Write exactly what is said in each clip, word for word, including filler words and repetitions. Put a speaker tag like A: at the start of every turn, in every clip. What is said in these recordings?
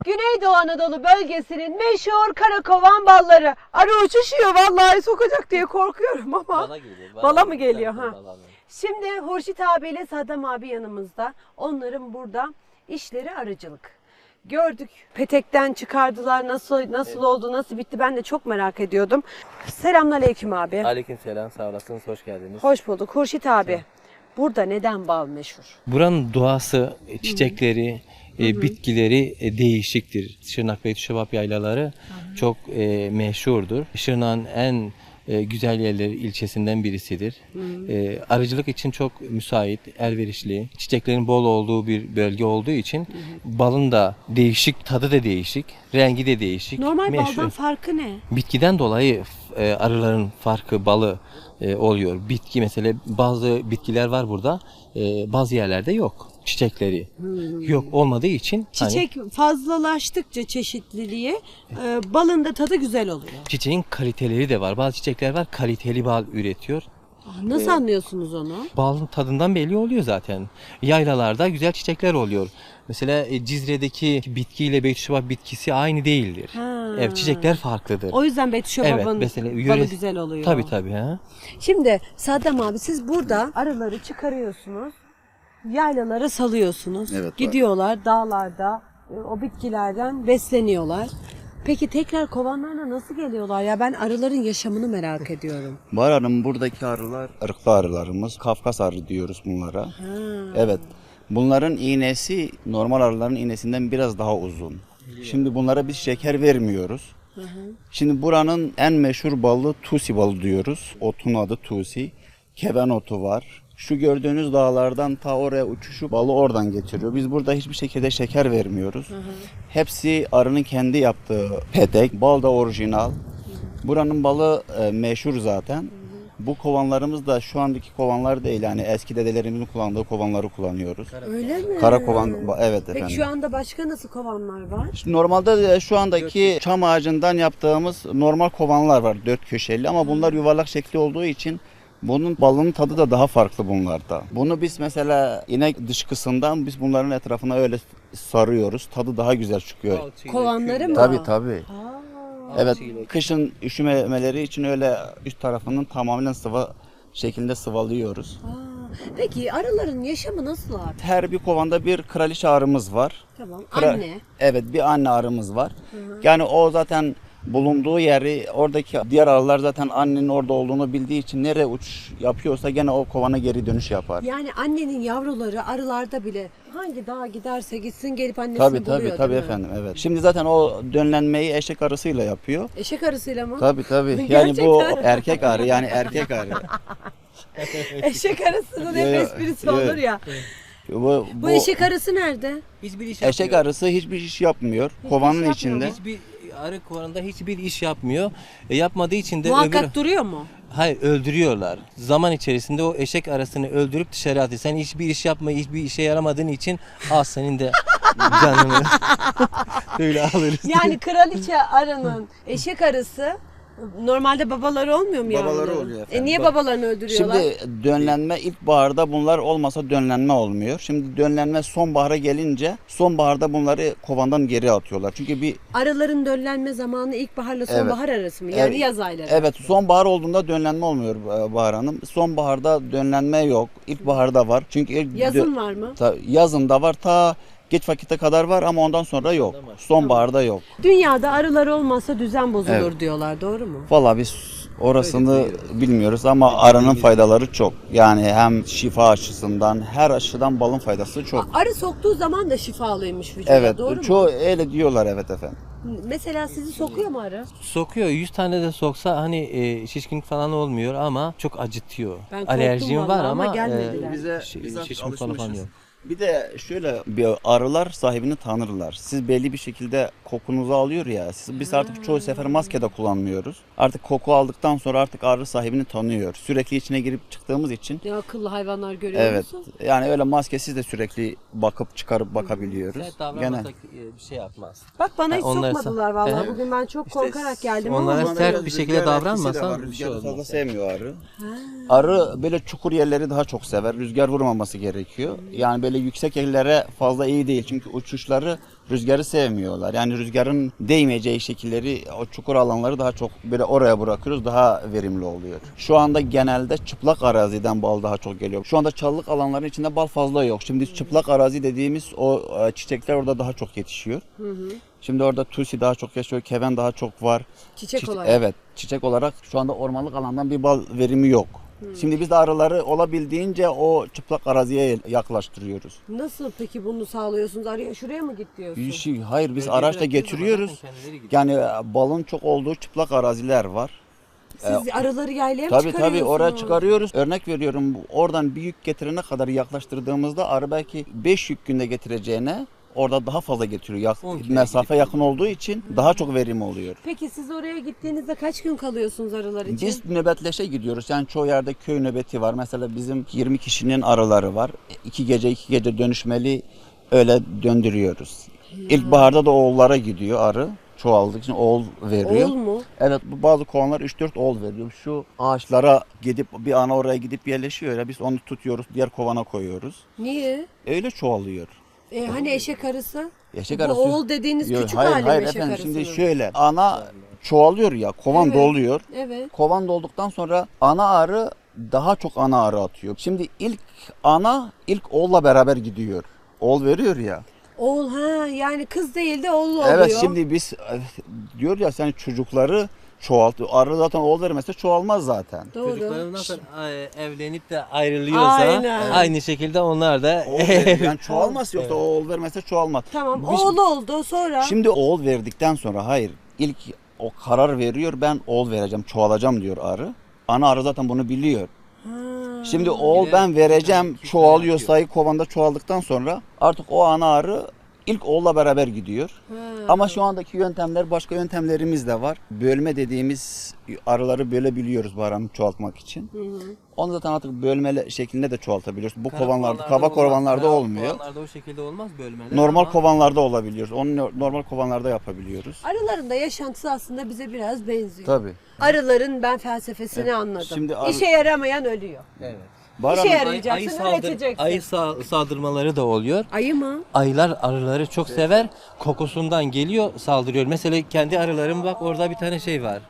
A: Güneydoğu Anadolu bölgesinin meşhur karakovan balları. Arı uçuşuyor vallahi sokacak diye korkuyorum ama.
B: Bala geliyor. Bala,
A: Bala mı geliyor ha?
B: Bala.
A: Şimdi Hurşit abiyle Saddam abi yanımızda. Onların burada işleri arıcılık. Gördük. Petekten çıkardılar. Nasıl nasıl evet. oldu, nasıl bitti ben de çok merak ediyordum. Selamünaleyküm abi.
B: Aleykümselam, sağ olasınız, hoş geldiniz.
A: Hoş bulduk. Hurşit abi. Evet. Burada neden bal meşhur?
B: Buranın doğası, çiçekleri, e, bitkileri e, değişiktir. Şırnak Beytüşşebap yaylaları Hı-hı. çok e, meşhurdur. Şırnak'ın en e, güzel yerleri ilçesinden birisidir. E, arıcılık için çok müsait, elverişli. Çiçeklerin bol olduğu bir bölge olduğu için Hı-hı. balın da değişik, tadı da değişik, rengi de değişik.
A: Normal
B: meşhur.
A: baldan farkı ne? Bitkiden
B: dolayı e, arıların farkı balı e, oluyor. Bitki mesela bazı bitkiler var burada, e, bazı yerlerde yok. Çiçekleri hmm. yok olmadığı için
A: çiçek hani, fazlalaştıkça çeşitliliği e, balın da tadı güzel oluyor.
B: Çiçeğin kaliteleri de var. Bazı çiçekler var kaliteli bal üretiyor.
A: Nasıl ee, anlıyorsunuz onu?
B: Balın tadından belli oluyor zaten. Yaylalarda güzel çiçekler oluyor. Mesela e, Cizre'deki bitkiyle Beytüşşebap bitkisi aynı değildir. Ha. Evet, çiçekler farklıdır.
A: O yüzden Beytüşşebap'ın evet, balı güzel oluyor.
B: Tabii tabii. Ha.
A: Şimdi Saddam abi siz burada arıları çıkarıyorsunuz. Yaylalara salıyorsunuz. Evet, gidiyorlar var. Dağlarda o bitkilerden besleniyorlar. Peki tekrar kovanlarına nasıl geliyorlar ya? Ben arıların yaşamını merak ediyorum.
C: Bahar Hanım, buradaki arılar ırklı arılarımız. Kafkas arı diyoruz bunlara. Ha. Evet. Bunların iğnesi normal arıların iğnesinden biraz daha uzun. Şimdi bunlara biz şeker vermiyoruz. Hı hı. Şimdi buranın en meşhur balı Tusi balı diyoruz. Otun adı Tusi. Keven otu var. Şu gördüğünüz dağlardan ta oraya uçuşu balı oradan getiriyor. Biz burada hiçbir şekilde şeker vermiyoruz. Hı hı. Hepsi arının kendi yaptığı petek. Bal da orijinal. Hı hı. Buranın balı e, meşhur zaten. Hı hı. Bu kovanlarımız da şu andaki kovanlar değil. Yani eski dedelerimizin kullandığı kovanları kullanıyoruz.
A: Öyle mi?
C: Kara kovan, evet efendim.
A: Peki şu anda başka nasıl kovanlar var?
C: İşte normalde şu andaki çam ağacından yaptığımız normal kovanlar var. Dört köşeli ama bunlar yuvarlak şekli olduğu için bunun balının tadı da daha farklı bunlarda. Bunu biz mesela inek dışkısından biz bunların etrafına öyle sarıyoruz. Tadı daha güzel çıkıyor.
A: Kovanları mı?
C: Tabii tabii. Ha. Evet, kışın üşümemeleri için öyle üst tarafının tamamen sıvı şeklinde sıvalıyoruz.
A: Aa, peki arıların yaşamı nasıl abi?
C: Her bir kovanda bir kraliçe arımız var.
A: Tamam. Kra- anne.
C: Evet, bir anne arımız var. Hı hı. Yani o zaten bulunduğu yeri, oradaki diğer arılar zaten annenin orada olduğunu bildiği için nereye uç yapıyorsa gene o kovana geri dönüş yapar.
A: Yani annenin yavruları arılarda bile hangi dağa giderse gitsin gelip annesini
C: tabii,
A: buluyor
C: tabii, tabii efendim, evet. Şimdi zaten o dönlenmeyi eşek arısıyla yapıyor.
A: Eşek arısıyla mı?
C: Tabii tabii. Yani bu erkek arı, yani erkek arı.
A: Eşek arısının hep esprisi olur ya. Bu, bu, bu eşek arısı nerede?
B: Hiçbir iş
C: eşek
B: yapmıyor.
C: arısı hiçbir iş yapmıyor. Hiçbir Kovanın iş içinde.
B: Hiçbir arı kovanında hiçbir iş yapmıyor. E, yapmadığı için de
A: muhakkak
B: öbür...
A: duruyor mu?
B: Hayır, öldürüyorlar. Zaman içerisinde o eşek arısını öldürüp dışarı atıyor. Sen hiçbir iş yapma, hiçbir işe yaramadığın için al senin de canını. Öyle alırız.
A: Yani kraliçe arının eşek arısı normalde babaları olmuyor mu yani?
C: Babaları oluyor efendim.
A: E niye babalarını öldürüyorlar?
C: Şimdi dönlenme ilkbaharda bunlar olmasa dönlenme olmuyor. Şimdi dönlenme sonbahara gelince sonbaharda bunları kovandan geri atıyorlar. Çünkü bir
A: arıların dönlenme zamanı ilkbaharla sonbahar evet. arası mı? Yani
C: evet.
A: yaz ayları.
C: Evet, sonbahar olduğunda dönlenme olmuyor Bahar Hanım. Sonbaharda dönlenme yok. İlkbaharda var. Çünkü ilk
A: yazın var mı?
C: Ta, yazın da var. Ta geç vakite kadar var ama ondan sonra yok. Sonbaharda yok.
A: Dünyada arılar olmazsa düzen bozulur evet. diyorlar. Doğru mu?
C: Vallahi biz orasını bilmiyoruz ama arının faydaları çok. Yani hem şifa açısından, her açıdan balın faydası çok.
A: Arı soktuğu zaman da şifalıymış vücuda.
C: Evet,
A: doğru mu?
C: Çoğu öyle diyorlar, evet efendim.
A: Mesela sizi sokuyor mu arı?
B: Sokuyor. yüz tane de soksa hani e, şişkinlik falan olmuyor ama çok acıtıyor.
A: Ben
B: alerjim var ama,
A: ama gelmediler.
C: E, bize,
B: bize şişkin falan yok.
C: Bir de şöyle bir arılar sahibini tanırlar. Siz belli bir şekilde kokunuzu alıyor ya. Siz, biz artık çoğu sefer maske de kullanmıyoruz. Artık koku aldıktan sonra artık arı sahibini tanıyor. Sürekli içine girip çıktığımız için.
A: Ne akıllı hayvanlar görüyor
C: evet,
A: musun?
C: Evet. Yani öyle maskesiz de sürekli bakıp çıkarıp bakabiliyoruz.
B: Evet, davranmasak bir şey yapmaz.
A: Bak bana hiç
B: yani
A: sokmadılar vallahi. Evet. Bugün ben çok işte korkarak geldim
B: onlara
A: ama.
B: sert bir şekilde davranmasan
C: bir şey olmaz. Fazla sevmiyor arı. Ha. Arı böyle çukur yerleri daha çok sever. Rüzgar vurmaması gerekiyor. Yani böyle böyle yüksek yerlere fazla iyi değil. Çünkü uçuşları rüzgarı sevmiyorlar. Yani rüzgarın değmeyeceği şekilleri, o çukur alanları daha çok böyle oraya bırakıyoruz. Daha verimli oluyor. Şu anda genelde çıplak araziden bal daha çok geliyor. Şu anda çalılık alanların içinde bal fazla yok. Şimdi çıplak arazi dediğimiz o çiçekler orada daha çok yetişiyor. Hı hı. Şimdi orada tulsi daha çok yaşıyor, keven daha çok var.
A: Çiçek
C: Çi-
A: olarak.
C: Evet, çiçek olarak şu anda ormanlık alandan bir bal verimi yok. Hmm. Şimdi biz de arıları olabildiğince o çıplak araziye yaklaştırıyoruz.
A: Nasıl peki bunu sağlıyorsunuz? Araya şuraya mı git diyorsun?
C: Bir şey, hayır biz
B: Bölge
C: araçla
B: bıraktığı zaman
C: getiriyoruz.
B: zaten kendileri gidiyor.
C: Yani balın çok olduğu çıplak araziler var.
A: Siz arıları yaylaya mı
C: Tabii
A: çıkarıyorsunuz?
C: tabii oraya çıkarıyoruz. Örnek veriyorum, oradan bir yük getirene kadar yaklaştırdığımızda arı belki beş yük günde getireceğine orada daha fazla getiriyor. Yak-
B: on kilo
C: mesafe
B: gidip
C: yakın olduğu için daha çok verim oluyor.
A: Peki siz oraya gittiğinizde kaç gün kalıyorsunuz arılar için?
C: Biz nöbetleşe gidiyoruz. Yani çoğu yerde köy nöbeti var. Mesela bizim yirmi kişinin arıları var. İki gece iki gece dönüşmeli öyle döndürüyoruz. İlkbaharda da oğullara gidiyor arı. Çoğaldığı için oğul veriyor.
A: Oğul mu?
C: Evet, bu bazı kovanlar üç dört oğul veriyor. Şu ağaçlara gidip bir ana oraya gidip yerleşiyor ya, biz onu tutuyoruz, diğer kovana koyuyoruz.
A: Niye?
C: Öyle çoğalıyor.
A: E, hani eşek arısı?
C: Eşek
A: Bu
C: arısı.
A: oğul dediğiniz
C: Yok,
A: küçük
C: hayır,
A: hali mi
C: hayır
A: eşek
C: efendim,
A: arısının?
C: şimdi şöyle ana çoğalıyor ya, kovan
A: Evet.
C: doluyor.
A: Evet.
C: Kovan dolduktan sonra ana arı daha çok ana arı atıyor. Şimdi ilk ana ilk oğulla beraber gidiyor. Oğul veriyor ya.
A: Oğul ha yani kız değil de oğul oluyor.
C: Evet, şimdi biz diyor ya sen çocukları çoğaltıyor. Arı zaten oğul vermezse çoğalmaz zaten.
A: Doğru.
B: Çocukları nasıl e, evlenip de ayrılıyorsa
A: Aynen.
B: aynı şekilde onlar da
C: Oğul veriyor. Yani çoğalmaz, yoksa oğul vermezse çoğalmaz.
A: Tamam
C: Biz-
A: oğul oldu sonra.
C: Şimdi oğul verdikten sonra hayır, ilk o karar veriyor, ben oğul vereceğim, çoğalacağım diyor arı. Ana arı zaten bunu biliyor.
A: Ha.
C: Şimdi oğul
B: Bir de
C: ben vereceğim,
B: iki tane
C: çoğalıyor,
B: atıyor.
C: sayı kovanda çoğaldıktan sonra artık o ana arı ilk oğulla beraber gidiyor.
A: Ha.
C: Ama şu andaki yöntemler, başka yöntemlerimiz de var. Bölme dediğimiz arıları bölebiliyoruz bu aranı çoğaltmak için.
A: Hı hı.
C: Onu zaten artık bölme şeklinde de çoğaltabiliyoruz. Bu
B: Kara
C: kovanlarda, kaba
B: olmaz.
C: kovanlarda
B: Kara
C: olmuyor.
B: Kovanlarda o şekilde olmaz bölmeler.
C: Normal
B: ama
C: kovanlarda olabiliyor. Onu normal kovanlarda yapabiliyoruz.
A: Arıların da yaşantısı aslında bize biraz benziyor.
C: Tabii.
A: Arıların ben felsefesini anladım.
C: şimdi arı-
A: İşe yaramayan ölüyor.
B: Evet.
C: Bahar
A: İşe
C: Hanım,
A: yarar-
B: Ayı,
A: Yarayacaksın,
B: saldır,
A: üreteceksin.
B: ayı sa- saldırmaları da oluyor.
A: Ayı mı?
B: Ayılar arıları çok sever. Kokusundan geliyor, saldırıyor. Mesela kendi arılarım bak orada bir tane şey var.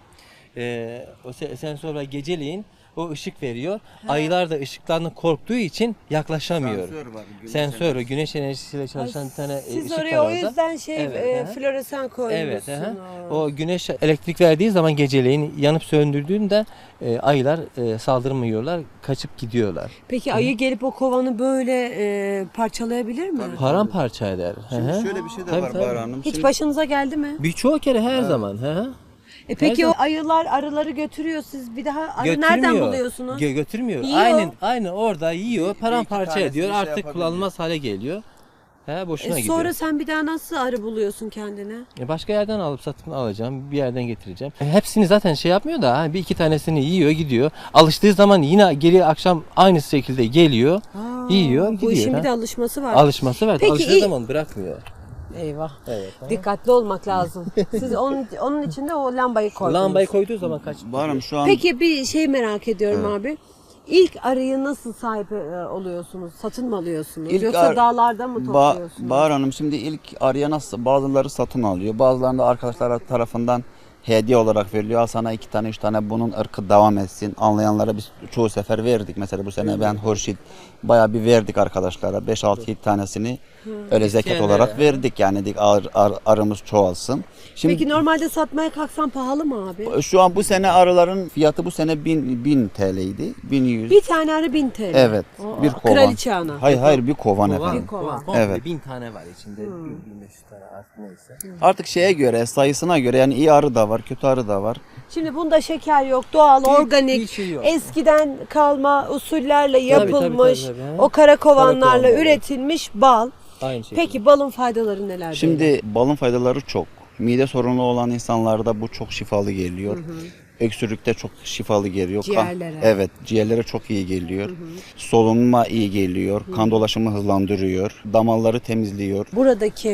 B: Ee, o se- sensör var, geceleyin o ışık veriyor. Ayılar da ışıktan korktuğu için yaklaşamıyor.
C: Sensör var, güneş
B: Sensör, o güneş enerjisiyle çalışan bir tane e,
A: Siz
B: ışık
A: oraya
B: var
A: o
B: orada.
A: yüzden şey
B: Evet,
A: e,
B: aha.
A: floresan koymuşsunuz.
B: Evet, aha. O güneş elektrik verdiği zaman geceleyin yanıp söndürdüğünde e, ayılar e, saldırmıyorlar, kaçıp gidiyorlar.
A: Peki ayı gelip o kovanı böyle e, parçalayabilir mi?
B: Paramparça eder. Hı
C: Şimdi
B: hı.
C: şöyle bir şey de
B: Tabii,
C: var
B: tabii.
C: Bahar Hanım.
A: Hiç
C: Şimdi-
A: başınıza geldi mi?
B: Birçok kere her zaman. Hı hı.
A: E peki o
B: zaman-
A: ayılar arıları götürüyor, siz bir daha arı
B: Götürmüyor.
A: nereden buluyorsunuz?
B: Gö- götürmüyor.
A: Yiyor.
B: Aynen aynen orada yiyor, paramparça
C: tanesini
B: ediyor.
C: şey
B: Artık
C: yapabiliyor.
B: kullanılmaz hale geliyor. He, boşuna
A: E
B: gidiyor.
A: sonra sen bir daha nasıl arı buluyorsun kendine?
B: E, başka yerden alıp satın alacağım, bir yerden getireceğim. E, hepsini zaten şey yapmıyor da ha, bir iki tanesini yiyor, gidiyor. Alıştığı zaman yine geri akşam aynı şekilde geliyor, yiyor, gidiyor.
A: Bu işin
B: ha.
A: bir de alışması var.
B: Alışması var.
A: Peki,
B: Alıştığı
A: iyi-
B: zaman bırakmıyor.
A: Eyvah.
B: Evet. ha.
A: Dikkatli olmak lazım. Siz onun onun için de o lambayı koydunuz.
B: Lambayı koyduğu zaman kaç?
C: Bahar Hanım, şu an
A: Peki bir şey merak ediyorum abi. İlk arıyı nasıl sahip e, oluyorsunuz? Satın mı alıyorsunuz?
C: İlk
A: Yoksa
C: ar-
A: dağlarda mı
C: Ba-
A: topluyorsunuz?
C: Bahar Hanım, şimdi ilk arıya nasıl, bazıları satın alıyor, bazılarını da arkadaşlar tarafından hediye olarak veriliyor. Al sana iki tane üç tane, bunun ırkı devam etsin. Anlayanlara biz çoğu sefer verdik. Mesela bu sene ben Hurşit bayağı bir verdik arkadaşlara. beş altı yedi tanesini öyle zekat
B: İsteyenlere.
C: olarak verdik. Yani dedik ar, ar- arımız çoğalsın. Şimdi
A: Peki normalde satmaya kalksan pahalı mı abi?
C: şu an bu sene arıların fiyatı bu sene bin, bin T L'ydi. bin yüz.
A: Bir tane arı bin T L.
C: Evet.
A: O-
C: bir kovan.
A: Kraliçe ana.
C: Hayır hayır, bir kovan,
B: Kovan,
C: efendim.
A: kovan.
B: komple
C: Evet.
B: bin tane var içinde. bin beş yüz tane artık neyse.
C: Artık şeye göre, sayısına göre, yani iyi arı da var, kötü arı da var.
A: Şimdi bunda şeker yok, doğal, organik,
B: bir şey yok.
A: eskiden kalma usullerle
B: tabii,
A: yapılmış,
B: tabii, tabii.
A: o kara kovanlarla
B: Kara kovanlarla.
A: üretilmiş bal.
B: Aynı şekilde.
A: Peki balın faydaları neler? beyler?
C: Şimdi balın faydaları çok. Mide sorunu olan insanlarda bu çok şifalı geliyor. Öksürükte çok şifalı geliyor. Kan-
A: Ciğerlere.
C: evet, ciğerlere çok iyi geliyor. Solunuma iyi geliyor. Kan dolaşımı hızlandırıyor. Damarları temizliyor.
A: Buradaki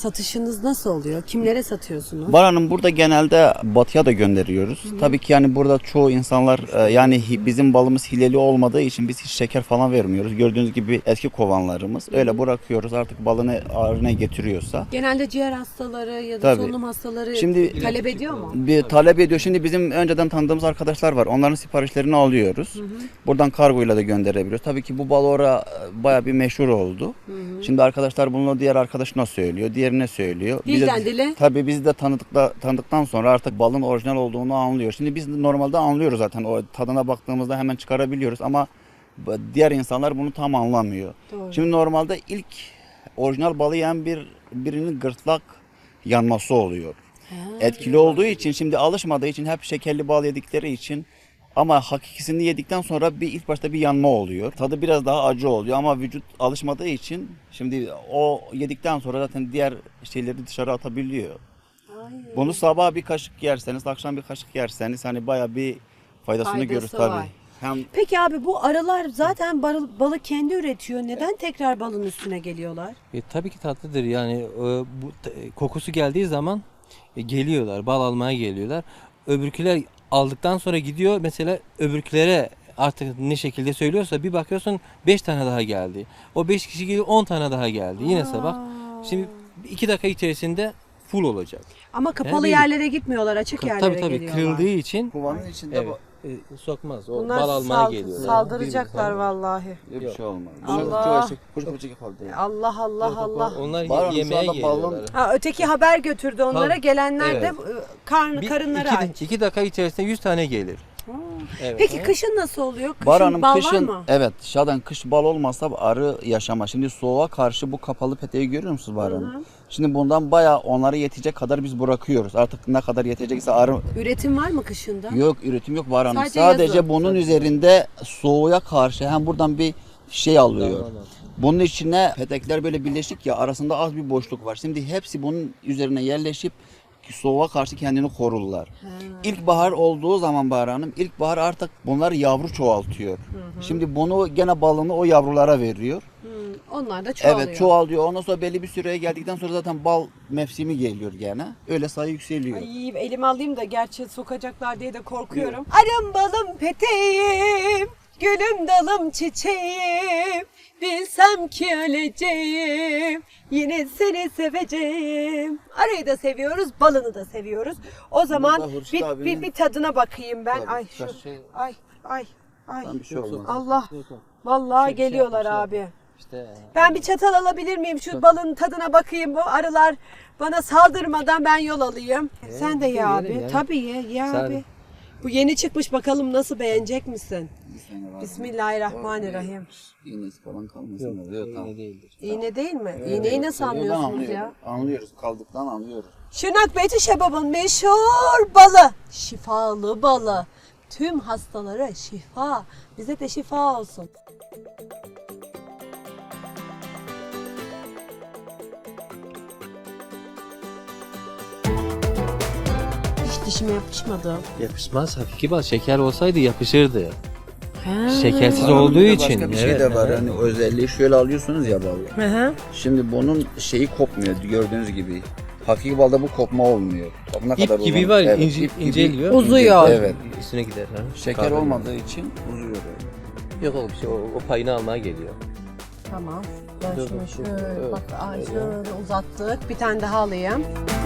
A: satışınız nasıl oluyor? Kimlere satıyorsunuz?
C: Bahar Hanım, burada genelde batıya da gönderiyoruz. Hı-hı. Tabii ki yani burada çoğu insanlar e, yani hi, bizim balımız hileli olmadığı için biz hiç şeker falan vermiyoruz. Gördüğünüz gibi eski kovanlarımız. Öyle Hı-hı. bırakıyoruz, artık balını ağrına getiriyorsa.
A: Genelde ciğer hastaları ya da
C: Tabii.
A: solunum hastaları
C: Şimdi,
A: talep ediyor mu?
C: Bir talep ediyor. Şimdi bizim önceden tanıdığımız arkadaşlar var. Onların siparişlerini alıyoruz. Hı-hı. Buradan kargoyla da gönderebiliyoruz. Tabii ki bu bal orada bayağı bir meşhur oldu. Hı-hı. Şimdi arkadaşlar bunu diğer arkadaşına söylüyor, diğerine söylüyor.
A: Dilden
C: Biz de,
A: dile.
C: Tabii biz de tanıdıkla, tanıdıktan sonra artık balın orijinal olduğunu anlıyor. Şimdi biz normalde anlıyoruz zaten. O tadına baktığımızda hemen çıkarabiliyoruz ama diğer insanlar bunu tam anlamıyor. Doğru. Şimdi normalde ilk orijinal balı yiyen bir birinin gırtlak yanması oluyor. Ha, etkili olduğu için, şimdi alışmadığı için, hep şekerli bal yedikleri için, ama hakikisini yedikten sonra bir ilk başta bir yanma oluyor. Tadı biraz daha acı oluyor ama vücut alışmadığı için şimdi o yedikten sonra zaten diğer şeyleri dışarı atabiliyor. Aynen. Bunu sabah bir kaşık yerseniz, akşam bir kaşık yerseniz hani bayağı bir faydasını
A: Faydası
C: görür tabii.
A: var.
C: Hem
A: Peki abi, bu arılar zaten balı, balı kendi üretiyor. Neden tekrar balın üstüne geliyorlar?
B: E, tabii ki tatlıdır yani e, bu t- kokusu geldiği zaman e, geliyorlar, bal almaya geliyorlar. Öbürküler aldıktan sonra gidiyor, mesela öbürkülere artık ne şekilde söylüyorsa bir bakıyorsun beş tane daha geldi. O beş kişi geliyor, on tane daha geldi. Yine sabah. Şimdi iki dakika içerisinde full olacak.
A: Ama kapalı
B: Yani
A: yerlere gitmiyorlar, açık yerlere
B: tabii tabii
A: geliyorlar.
B: kırıldığı için
C: kovanın içinde
B: evet, e, sokmaz. O
A: Bunlar
B: bal almaya
A: sal-
B: geliyor.
A: saldıracaklar vallahi.
C: bir şey olmaz.
A: Allah. Allah Allah
B: Yok,
A: Allah.
B: Onlar
C: Var
B: ye-
C: mı? Şu
B: yemeğe
C: anda balon-
B: geliyorlar.
A: Ha, öteki haber götürdü onlara.
B: Tabii.
A: Gelenler de
B: Evet.
A: e, karnı
B: Bir-
A: karınları
B: iki,
A: aç.
B: iki dakika içerisinde yüz tane gelir. Evet.
A: Peki kışın nasıl oluyor? Kışın
C: Bahar Hanım,
A: bal
C: kışın,
A: var mı?
C: evet, zaten kış bal olmazsa arı yaşamaz. Şimdi soğuğa karşı bu kapalı peteği görüyor musunuz Bahar Hanım? Şimdi bundan bayağı onlara yetecek kadar biz bırakıyoruz. Artık ne kadar yetecekse arı...
A: Üretim var mı kışında?
C: Yok, üretim yok Bahar Hanım.
A: Sadece
C: Sadece,
A: yazın.
C: bunun üzerinde soğuğa karşı hem buradan bir şey alıyor.
B: Tamam.
C: Bunun içine petekler böyle birleşik ya, arasında az bir boşluk var. Şimdi hepsi bunun üzerine yerleşip soğuğa karşı kendini korurlar. Ha. İlkbahar olduğu zaman Bahar Hanım, ilkbahar artık bunlar yavru çoğaltıyor. Hı hı. Şimdi bunu gene balını o yavrulara veriyor.
A: Hı, onlar da çoğalıyor.
C: Evet, çoğalıyor. Ondan sonra belli bir süreye geldikten sonra zaten bal mevsimi geliyor gene. Öyle sayı yükseliyor.
A: Ay, elime alayım da, gerçi sokacaklar diye de korkuyorum. Arım balım peteğim, gülüm dalım çiçeğim. Bilsem ki öleceğim, yine seni seveceğim. Arıyı da seviyoruz, balını da seviyoruz. O zaman
C: Hurşit
A: bir,
C: abinin-
A: bir, bir tadına bakayım ben.
C: Tabii,
A: Ay şu,
C: şey-
A: ay ay ay.
C: Bir şey olmaz.
A: Allah, vallahi
B: Şey- şey
A: geliyorlar
B: yapmış,
A: abi.
B: İşte
A: Ben bir çatal alabilir miyim? Şu balın tadına bakayım. Bu arılar bana saldırmadan ben yol alayım. Sen de ye
B: yerim
A: abi.
B: ya.
A: Tabii ye, ye
B: Sen-
A: abi. Bu yeni çıkmış, bakalım nasıl, beğenecek misin?
C: Bismillahirrahmanirrahim.
A: Bismillahirrahmanirrahim.
C: İğnesi falan kalmasın.
B: yok,
C: da. Yok, tamam.
B: iğne değildir.
A: İğne değil mi? İğneyi nasıl anlıyorsunuz
C: Anlıyoruz.
A: ya?
C: Anlıyoruz. Kaldıktan anlıyoruz.
A: Şırnak Beyti Şebab'ın meşhur balı. Şifalı balı. Tüm hastalara şifa. Bize de şifa olsun. Hiç dişime yapışmadı.
B: Yapışmaz. Hakiki bal şeker olsaydı yapışırdı.
A: Ha.
B: Şekersiz
C: Bahar Hanım,
B: olduğu
C: bir de
B: için.
C: Başka bir şey
B: evet,
C: de var.
B: evet.
C: Hani özelliği şöyle alıyorsunuz ya balı.
A: Hı hı.
C: Şimdi bunun şeyi kopmuyor gördüğünüz gibi. Hakiki balda bu kopma olmuyor. Ne
B: İp
C: kadar
B: gibi
C: uzun-
B: var,
C: Evet,
B: ince,
C: ip gibi
B: inceliyor.
A: Uzuyor.
C: Evet.
B: Üstüne gider. Ha?
C: Şeker
B: Kahve.
C: olmadığı için uzuyor böyle.
B: Yok oğlum, şey, o, o payını almaya geliyor.
A: Tamam. Ben
B: Dur,
A: şunu
B: dur,
A: şöyle,
B: dur.
A: bak, ay
B: Öyle.
A: şöyle uzattık. Bir tane daha alayım.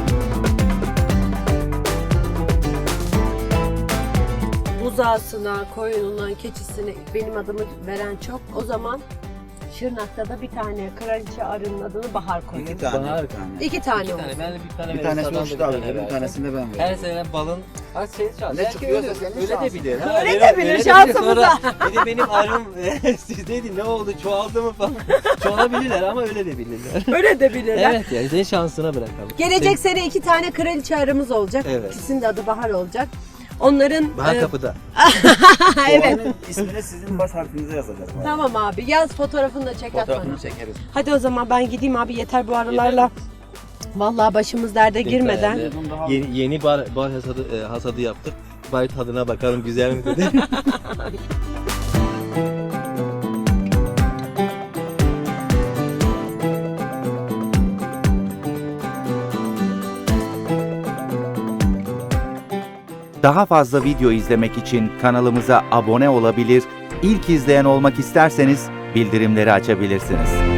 A: Buzağısına, koyununa, keçisine benim adımı veren çok. O zaman Şırnak'ta da bir tane kraliçe arının adını Bahar koyun.
C: İki tane.
B: Bahar.
C: iki tane.
A: İki tane
B: İki
A: olsun.
B: tane. Ben de bir tane
C: Bir
B: veririm,
C: tanesi
B: sana da
C: Hurşit
B: bir
C: abi
B: tane
C: verir, bir
B: veririm.
C: tanesini de ben veririm.
B: Her sene balın az şey şans.
C: Ne
B: Belki
C: çıkıyorsa
B: öyle-
C: senin
B: öyle de
C: şansın.
B: bilir. ha,
A: Öyle de bilir,
B: öyle
A: şansımıza.
B: Sonra bir de benim arım sizdeydi, ne oldu, çoğaldı mı falan. Çoğalabilirler ama öyle de bilirler.
A: Öyle de bilirler.
B: Evet, yani senin şansına bırakalım.
A: Gelecek sene iki tane kraliçe arımız olacak.
B: Evet.
A: İkisinin de adı Bahar olacak. Onların
B: Bahar
A: e,
B: kapıda.
A: evet.
C: Onun ismini sizin baş harfinize yazacağız.
A: Tamam abi, yaz fotoğrafını da çek at bana.
C: Fotoğrafını çekeriz.
A: Hadi o zaman ben gideyim abi, yeter bu arılarla. Vallahi başımız derde girmeden.
B: Yeni, yeni bar, bar hasadı, e, hasadı yaptık. Bari tadına bakalım, güzel mi dedi.
D: Daha fazla video izlemek için kanalımıza abone olabilir, ilk izleyen olmak isterseniz bildirimleri açabilirsiniz.